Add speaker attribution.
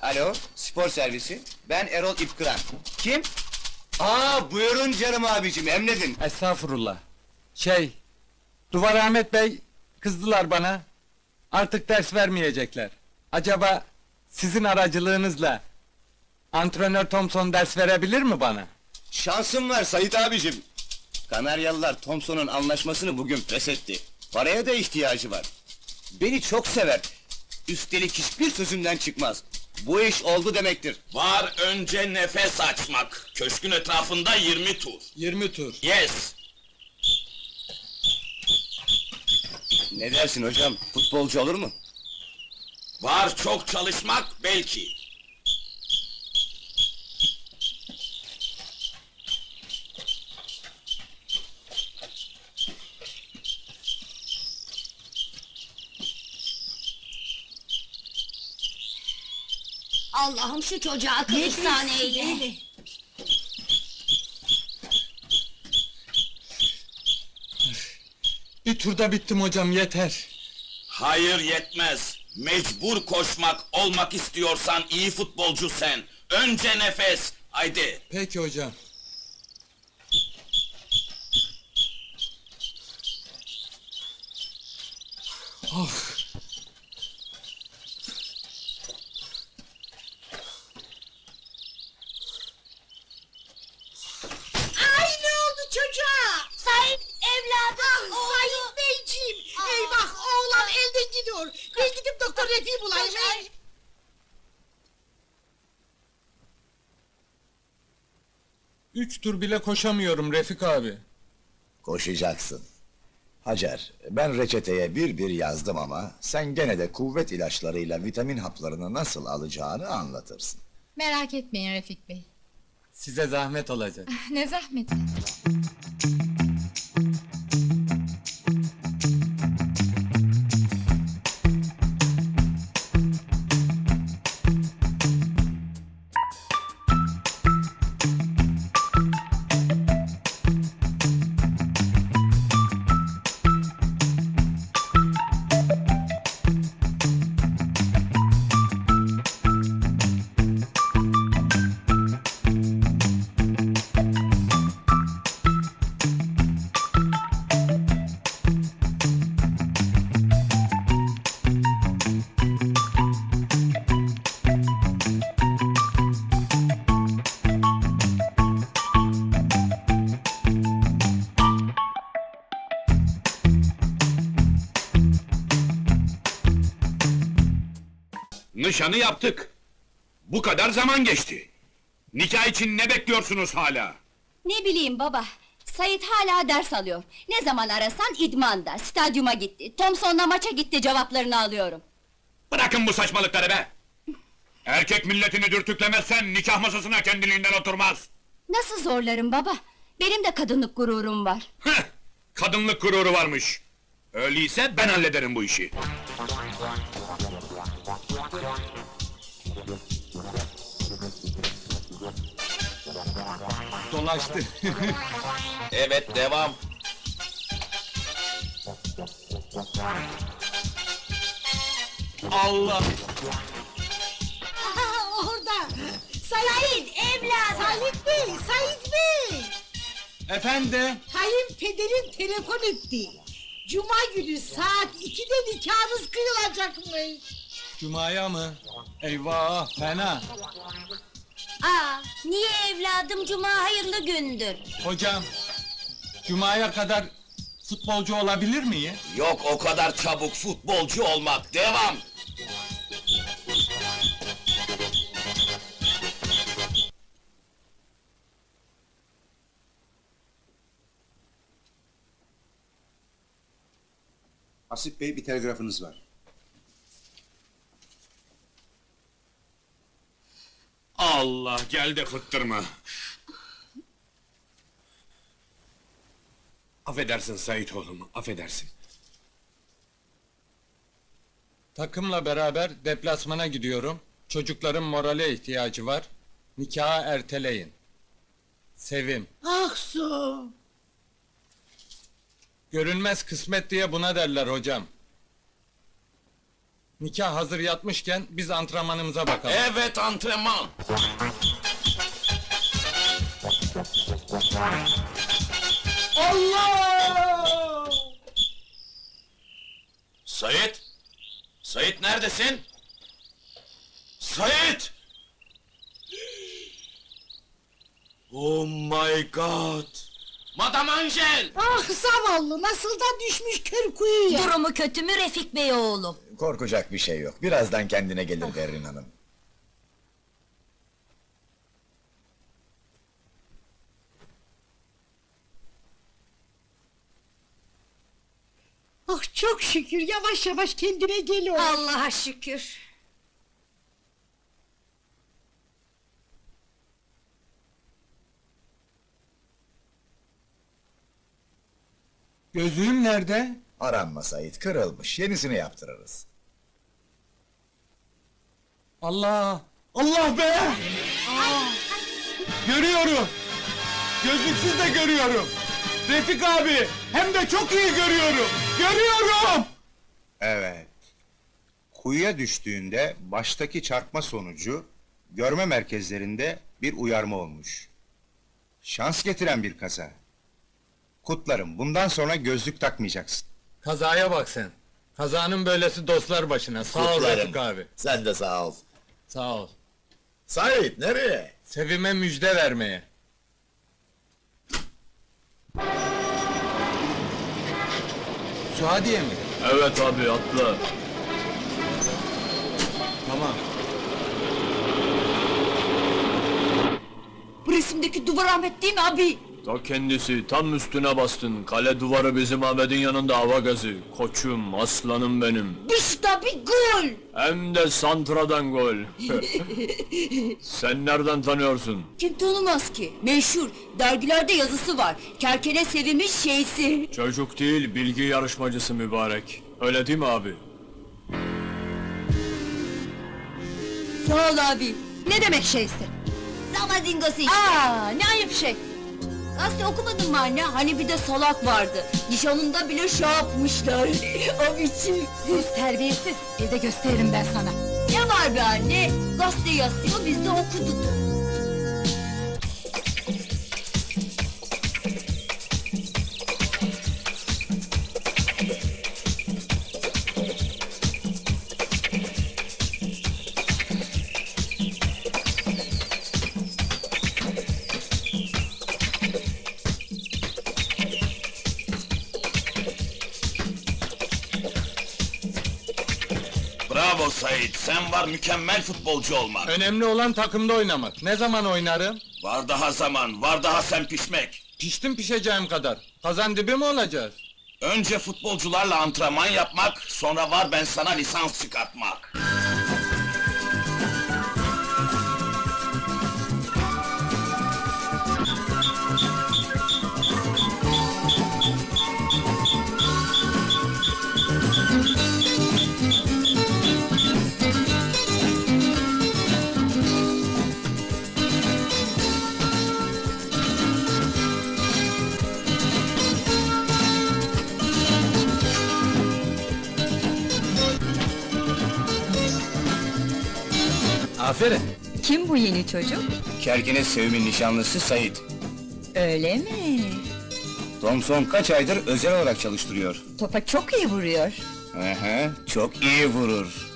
Speaker 1: Alo, spor servisi. Ben Erol İpkıran. Kim? Buyurun canım abicim, emredin.
Speaker 2: Estağfurullah. Duvar Ahmet Bey kızdılar bana. Artık ders vermeyecekler. Acaba sizin aracılığınızla antrenör Thompson ders verebilir mi bana?
Speaker 1: Şansım var Sait abicim. Kanaryalılar Thompson'un anlaşmasını bugün feshetti. Paraya da ihtiyacı var. Beni çok sever. Üstelik hiçbir sözümden çıkmaz. Bu iş oldu demektir.
Speaker 3: Var önce nefes açmak. Köşkün etrafında 20 tur.
Speaker 2: 20 tur.
Speaker 3: Yes.
Speaker 1: Ne dersin hocam, futbolcu olur mu?
Speaker 3: Var çok çalışmak belki.
Speaker 4: Allah'ım şu çocuğa akıl ihsan eyle.
Speaker 2: Bir turda bittim hocam, yeter.
Speaker 3: Hayır yetmez. Mecbur koşmak olmak istiyorsan iyi futbolcu sen. Önce nefes. Haydi.
Speaker 2: Peki hocam.
Speaker 5: Ay ne oldu çocuğa?
Speaker 4: Sait evladım,
Speaker 5: Sayın Beyciğim! Eyvah oğlan elden gidiyor. Ben gidip doktor Refik'i bulayım.
Speaker 2: Üç tur bile koşamıyorum Refik abi.
Speaker 6: Koşacaksın. Hacer, ben reçeteye bir yazdım ama sen gene de kuvvet ilaçlarıyla vitamin haplarını nasıl alacağını anlatırsın.
Speaker 7: Merak etmeyin Refik Bey.
Speaker 2: Size zahmet olacak.
Speaker 7: Ne zahmeti.
Speaker 8: Nişanı yaptık. Bu kadar zaman geçti. Nikah için ne bekliyorsunuz hala?
Speaker 4: Ne bileyim baba, Sait hala ders alıyor. Ne zaman arasan idmanda, stadyuma gitti, Thompson'la maça gitti cevaplarını alıyorum.
Speaker 8: Bırakın bu saçmalıkları be! Erkek milletini dürtüklemezsen nikah masasına kendiliğinden oturmaz.
Speaker 4: Nasıl zorlarım baba? Benim de kadınlık gururum var.
Speaker 8: Heh! Kadınlık gururu varmış. Öyleyse ben hallederim bu işi.
Speaker 2: Dolaştı.
Speaker 3: Evet devam.
Speaker 2: Allah!
Speaker 5: Aha orada! Sait evladım! Sait Bey, Sait Bey!
Speaker 2: Efendim?
Speaker 5: Kayınpederin telefon etti. Cuma günü saat 2'de nikahınız kıyılacakmış.
Speaker 2: Cuma'ya mı? Eyvah, fena!
Speaker 4: Niye evladım, cuma hayırlı gündür.
Speaker 2: Hocam, Cuma'ya kadar futbolcu olabilir miyim?
Speaker 3: Yok o kadar çabuk futbolcu olmak. Devam.
Speaker 9: Hasip Bey, bir telgrafınız var.
Speaker 8: Allah, gel de fıttırma! Affedersin Sait oğlum, affedersin.
Speaker 2: Takımla beraber deplasmana gidiyorum. Çocukların morale ihtiyacı var. Nikahı erteleyin. Sevim.
Speaker 5: Aksu!
Speaker 2: Görünmez kısmet diye buna derler hocam. Nikah hazır yatmışken biz antrenmanımıza bakalım.
Speaker 3: Evet, antrenman.
Speaker 2: Allah!
Speaker 3: Sait! Sait neredesin? Sait! Oh my god! Madame Angel!
Speaker 5: Ah zavallı nasıl da düşmüş kör kuyuya.
Speaker 4: Durumu kötü mü Refik Bey oğlum?
Speaker 6: Korkacak bir şey yok. Birazdan kendine gelir Berrin Hanım.
Speaker 5: Ah çok şükür yavaş yavaş kendine geliyor.
Speaker 4: Allah'a şükür.
Speaker 2: Gözlüğüm nerede?
Speaker 6: Aranma Sait, kırılmış. Yenisini yaptırırız.
Speaker 2: Allah! Allah be! Görüyorum! Gözlüksüz de görüyorum! Refik abi! Hem de çok iyi görüyorum! Görüyorum!
Speaker 9: Evet. Kuyuya düştüğünde baştaki çarpma sonucu görme merkezlerinde bir uyarma olmuş. Şans getiren bir kaza. Kutlarım, bundan sonra gözlük takmayacaksın.
Speaker 2: Kazaya bak sen! Kazanın böylesi dostlar başına. Sağ ol
Speaker 6: Kutlarım.
Speaker 2: Refik abi.
Speaker 6: Sen de sağ ol.
Speaker 2: Sağ ol.
Speaker 6: Sait, nereye?
Speaker 2: Sevime müjde vermeye. Suadiye mi?
Speaker 8: Evet abi, atla.
Speaker 2: Tamam.
Speaker 4: Bu resimdeki duvar Ahmet değil mi abi?
Speaker 8: Ta kendisi, tam üstüne bastın. Kale duvarı bizim Ahmet'in yanında hava gazı. Koçum, aslanım benim.
Speaker 4: İşte bir gol!
Speaker 8: Hem de santradan gol. Sen nereden tanıyorsun?
Speaker 4: Kim tanımaz ki? Meşhur, dergilerde yazısı var. Kerkene Sevim'in şeysi.
Speaker 8: Çocuk değil, bilgi yarışmacısı mübarek. Öyle değil mi abi?
Speaker 4: Sağ ol abi.
Speaker 5: Ne demek şeysi?
Speaker 4: Zamazingosu işte.
Speaker 5: Aa ne ayıp şey.
Speaker 4: Gazete okumadın mı anne? Hani bir de salak vardı. Nişanında bile şey yapmışlar. O biçim.
Speaker 5: Sus terbiyesiz. Evde gösteririm ben sana.
Speaker 4: Ne var be anne? Gazete yazıyor, biz de okuduk.
Speaker 3: Bravo Sait, sen var mükemmel futbolcu olmak.
Speaker 2: Önemli olan takımda oynamak. Ne zaman oynarım?
Speaker 3: Var daha zaman, var daha sen pişmek.
Speaker 2: Piştim pişeceğim kadar. Kazan dibi mi olacağız?
Speaker 3: Önce futbolcularla antrenman yapmak, sonra var ben sana lisans çıkartmak.
Speaker 2: Aferin.
Speaker 4: Kim bu yeni çocuk?
Speaker 1: Kerkene Sevim'in nişanlısı Sait.
Speaker 4: Öyle mi?
Speaker 1: Thompson kaç aydır özel olarak çalıştırıyor.
Speaker 4: Topa çok iyi vuruyor.
Speaker 1: Çok iyi vurur.